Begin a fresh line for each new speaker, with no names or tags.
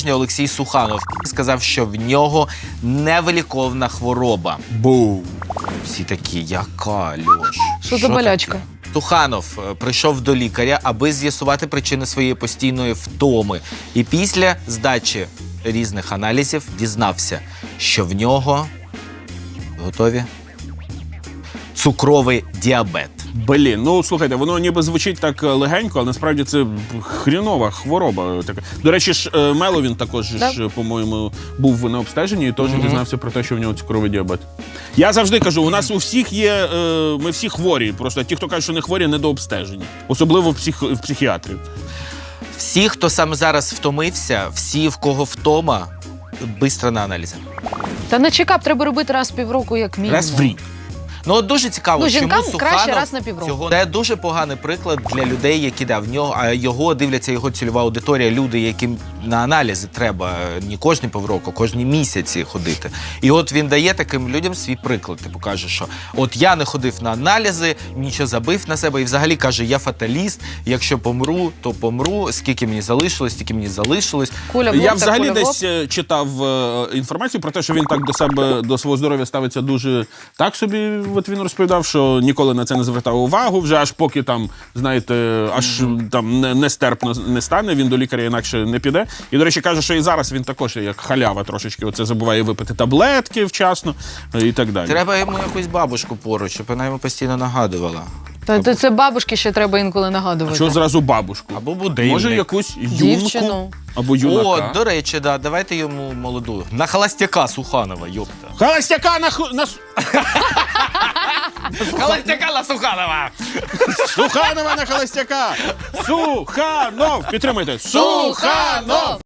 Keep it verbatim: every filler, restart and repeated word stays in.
Олексій Суханов сказав, що в нього невиліковна хвороба.
Бу.
Всі такі, яка, Льош?
Що за болячка?
Таке? Суханов прийшов до лікаря, аби з'ясувати причини своєї постійної втоми. І після здачі різних аналізів дізнався, що в нього, готові, цукровий діабет.
Блін, ну слухайте, воно ніби звучить так легенько, але насправді це хрінова хвороба така. До речі, ж Мело він також,
Да.
ж, по-моєму, був на обстеженні і теж mm-hmm. дізнався про те, що в нього цукровий діабет. Я завжди кажу, у нас у всіх є, е, ми всі хворі, просто ті, хто кажуть, що не хворі, не до обстеження. Особливо в, псих, в психіатрів.
Всі, хто саме зараз втомився, всі, в кого втома, бистро на аналізи.
Та на чекап треба робити раз в півроку, як мінімум.
Раз в рік.
Ну, от дуже цікаво,
Ну,
чому
жінкам
Суханов
краще раз на півроку.
цього... Це дуже поганий приклад для людей, які да, в нього, а його дивляться його цільова аудиторія, люди, яким на аналізи треба не кожні півроку, кожні місяці ходити. І от він дає таким людям свій приклад. Типу каже, що от я не ходив на аналізи, нічого забив на себе і взагалі каже, я фаталіст, якщо помру, то помру, скільки мені залишилось, стільки мені залишилось.
Куля в лоб,
Я
та
взагалі
куля в лоб.
десь е, читав е, інформацію про те, що він так до себе, до свого здоров'я ставиться дуже так собі. От він розповідав, що ніколи на це не звертав увагу, вже аж поки там, знаєте, аж mm-hmm. там не, нестерпно не стане, він до лікаря інакше не піде. І, до речі, каже, що і зараз він також як халява трошечки, оце забуває випити таблетки вчасно і так далі.
Треба йому якусь бабушку поруч, щоб вона йому постійно нагадувала.
Та то це бабушки ще треба інколи нагадувати.
А чого зразу бабушку?
Або будильник.
Може, якусь юнку
Дівчину.
або юнака?
О, до речі, да, давайте йому молоду. На холостяка Суханова, йопта.
Холостяка на... ху- на... с-
Холостяка на Суханова!
Суханова на холостяка! Суханов! Підтримуйте! Суханов!